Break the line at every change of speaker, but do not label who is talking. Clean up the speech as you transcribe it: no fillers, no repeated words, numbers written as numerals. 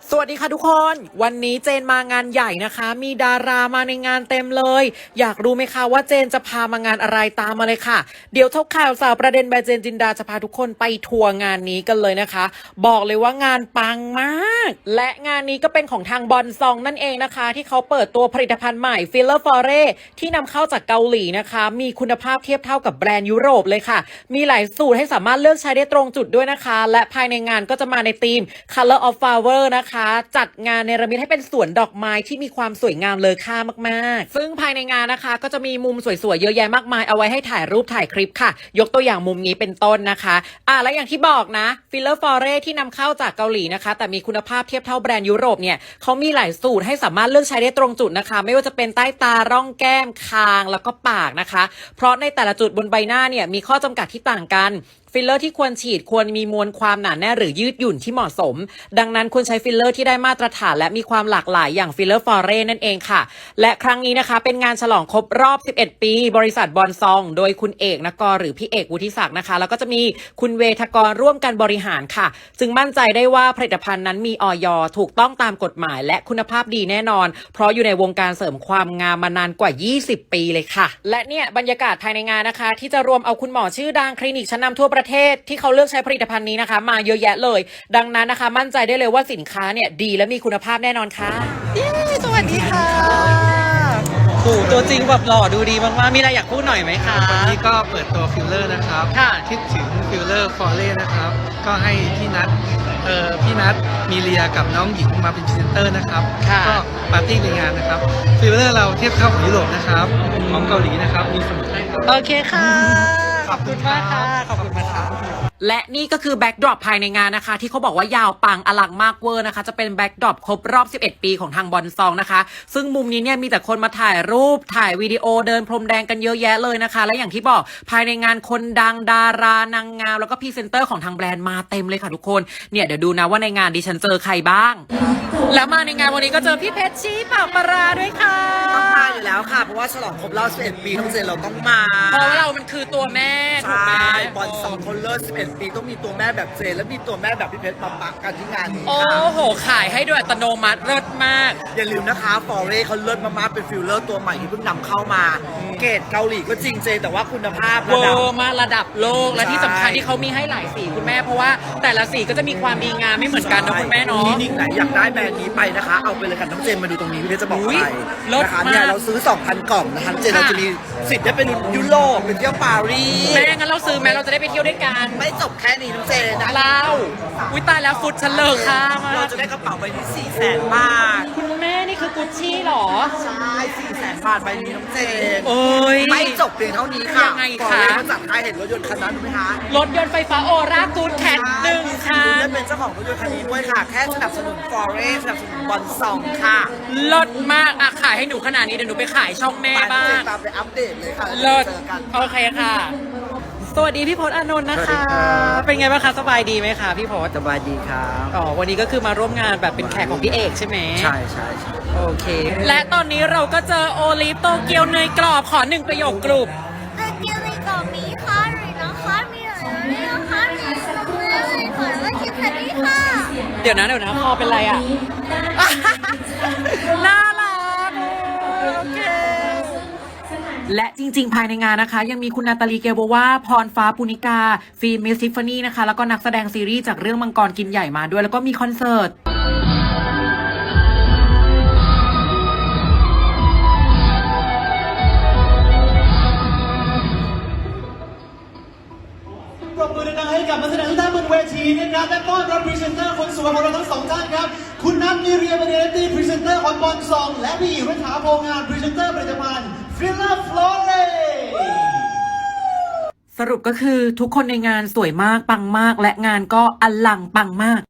สวัสดีค่ะทุกคนวันนี้เจนมางานใหญ่นะคะมีดารามาในงานเต็มเลยอยากรู้ไหมคะว่าเจนจะพามางานอะไรตามมาเลยค่ะเดี๋ยวทบข่าวสาวประเด็นใบเจนจินดาจะพาทุกคนไปทัวร์งานนี้กันเลยนะคะบอกเลยว่างานปังมากและงานนี้ก็เป็นของทางบอนซองนั่นเองนะคะที่เขาเปิดตัวผลิตภัณฑ์ใหม่ฟิลเลอร์ฟอเรที่นำเข้าจากเกาหลีนะคะมีคุณภาพเทียบเท่ากับแบรนด์ยุโรปเลยค่ะมีหลายสูตรให้สามารถเลือกใช้ได้ตรงจุดด้วยนะคะและภายในงานก็จะมาในธีม Color of Flower นะคะจัดงานเนรมิตให้เป็นสวนดอกไม้ที่มีความสวยงามเลอค่ามากๆซึ่งภายในงานนะคะก็จะมีมุมสวยๆเยอะแยะมากมายเอาไว้ให้ถ่ายรูปถ่ายคลิปค่ะยกตัวอย่างมุมนี้เป็นต้นนะคะและอย่างที่บอกนะฟิลเลอร์ฟอเรที่นำเข้าจากเกาหลีนะคะแต่มีคุณภาพเทียบเท่าแบรนด์ยุโรปเนี่ยเขามีหลายสูตรให้สามารถเลือกใช้ได้ตรงจุดนะคะไม่ว่าจะเป็นใต้ตาร่องแก้มคางแล้วก็ปากนะคะเพราะในแต่ละจุดบนใบหน้าเนี่ยมีข้อจำกัดที่ต่างกันฟิลเลอร์ที่ควรฉีดควรมีมวลความหนาแน่นหรือยืดหยุ่นที่เหมาะสมดังนั้นควรใช้ฟิลเลอร์ที่ได้มาตรฐานและมีความหลากหลายอย่างฟิลเลอร์ฟอเรนั่นเองค่ะและครั้งนี้นะคะเป็นงานฉลองครบรอบ11ปีบริษัทบอนซองโดยคุณเอกนกรหรือพี่เอกวุฒิศักดิ์นะคะแล้วก็จะมีคุณเวทกรร่วมกันบริหารค่ะจึงมั่นใจได้ว่าผลิตภัณฑ์นั้นมีอย.ถูกต้องตามกฎหมายและคุณภาพดีแน่นอนเพราะอยู่ในวงการเสริมความงามมานานกว่า20ปีเลยค่ะและเนี่ยบรรยากาศภายในงานนะคะที่จะรวมเอาคุณหมอชื่อดังคลินิกชั้นนำทั่วประเทศที่เขาเลือกใช้ผลิตภัณฑ์นี้นะคะมาเยอะแยะเลยดังนั้นนะคะมั่นใจได้เลยว่าสินค้าเนี่ยดีและมีคุณภาพแน่นอนค่ะสวัสดีค่ะโอ้ตัวจริงแบบหล่อดูดีมากๆมีอะไรอยากพูดหน่อยไหมคะ
วันนี้ก็เปิดตัวฟิลเลอร์นะครับ
ค่ะ
คิดถึงฟิลเลอร์ฟอเร่นะครับก็ให้พี่นัทมีเลียกับน้องหญิงมาเป็นพรีเซนเตอร์นะครับก็ปาร์ตี้ในงานนะครับฟิลเลอร์เราเทียบเท่าของยุโรปนะครับของเกาหลีนะครับมีสมุนไพร
โอเคค่ะขอบคุณมากค่ะขอบคุณมากค่ะและนี่ก็คือแบ็กดรอปภายในงานนะคะที่เขาบอกว่ายาวปังอลังมากเวอร์นะคะจะเป็นแบ็กดรอปครบรอบ11ปีของทางบอนซองนะคะซึ่งมุมนี้เนี่ยมีแต่คนมาถ่ายรูปถ่ายวิดีโอเดินพรมแดงกันเยอะแยะเลยนะคะและอย่างที่บอกภายในงานคนดังดารานางงามแล้วก็พรีเซนเตอร์ของทางแบรนด์มาเต็มเลยค่ะทุกคนเนี่ยเดี๋ยวดูนะว่าในงานดิฉันเจอใครบ้างแล้วมาในงานวันนี้ก็เจอพี่เพชรชี้ปากปราด้วยค่ะ
ต้องมาอยู่แล้วค่ะเพราะว่าฉลองครบรอบ11ปีต้องเจนเราต้องมา
เพราะว่าเรามันคือตัวแม่ถูกไหม
บอล2คนเลิศ11ปีต้องมีตัวแม่แบบเจนและมีตัวแม่แบบพี่เพชรมาปักกันที่งานนี้
โอ้โหขายให้ด้วยอัตโนมัติเลิศมาก
อย่าลืมนะคะฟอเร่เขาเลิศมากๆเป็นฟิลเลอร์ตัวใหม่ที่เพิ่งนำเข้ามาเกรดเกาหลีก็จริงเจนแต่ว่าคุณภาพ
เวอร์มาระดับโลกและที่สำคัญที่เขามีให้หลายสีคุณแม่เพราะว่าแต่ละสีก็จะมีความดีงามไม่เหมือนกันนะคุณแม่เนาะ
คลินิกไหนอยากได้แบรนด์นี้ไปนะคะเอาไปเลยค่ะน้องเจนมาดูตรงนี้พี่เพชรจะบอกไปนะคะเนี่ยเราซื้อ 2,000 กล่องนะคะเจนเราจะมีสิทธิ์ได้เป็นยุโรปเป็นเที่ยวปารีส
แม่งั้นเราซื้อแม่เราจะได้ไปเที่ยวด้วยกัน
ไม่จบแค่นี้น้องเจนนะ
เราวิตายแล้วฟุตฉันเลิกค่ะ
เราจะได้กระเป๋าใบนี้400,000 บาท
คุณแม่นี่คือกุชชี่หรอ
ใช่400,000 บาทใบนี้น้องเจน
โอ้ย
ไม่จบเพียงเท่านี้ค่ะ
ยังไงคะ
เขาจัดให้เห็นรถยนต์คันนั้นไหมคะ
รถยนต์ไฟฟ้าโอรากูดแคท1ค่ะ
คุณได้เป็นเจ้าของรถยนต์คันนี้ด้วยค่ะแค่สนับสนุนฟอเรสสนับสนุนบอลซองค่ะ
ลดมากขายให้หนูขนาดนี้เดี๋ยวหนูไปขายช่องแม่บ้าง
ตามไปอัปเดตเลยค่ะ
ลดโอเคค่ะสวัสดีพี่พจน์อานนท์นะคะเป็นไงบ้างคะสบายดีไหมคะพี่พจน์
สบายดีครับ
วันนี้ก็คือมาร่วมงานแบบเป็นแขกของพี่เอกใช่ไหม
ใช่
โอเคและตอนนี้เราก็เจอโอลิฟโตเกียวเนยกรอบขอ1ประโยคกลุ่ม
โตเกียวเนยกรอบมีค่ะหรือนะคะมีหรือนะคะมีสมุนไพรค่ะแล้วคิดแค่นี้ค่ะ
เดี๋ยวนะคอเป็นไรอ่ะน่ารักโอเคและจริงๆภายในงานนะคะยังมีคุณนาตาลีเกลโบวาพรฟ้าปุณิกาฟิล์มมิสทิฟฟานี่นะคะแล้วก็นักแสดงซีรีส์จากเรื่องมังกรกินใหญ่มาด้วยแล้วก็มีคอนเสิร์ต
ปรบมือดังๆให้กับนักแสดงทุกท่านบนเวทีนะครับและต้อนรับพรีเซนเตอร์คนสวยของเราทั้งสองท่านครับคุณนัทมีเรียเบเนตี้พรีเซนเตอร์ของบอลซองและพี่รัฐาโพงานพรีเซนเตอร์ผลิตภัณฑ์ฟิลเลอร์ฟลอเร
สรุปก็คือทุกคนในงานสวยมากปังมากและงานก็อลังปังมาก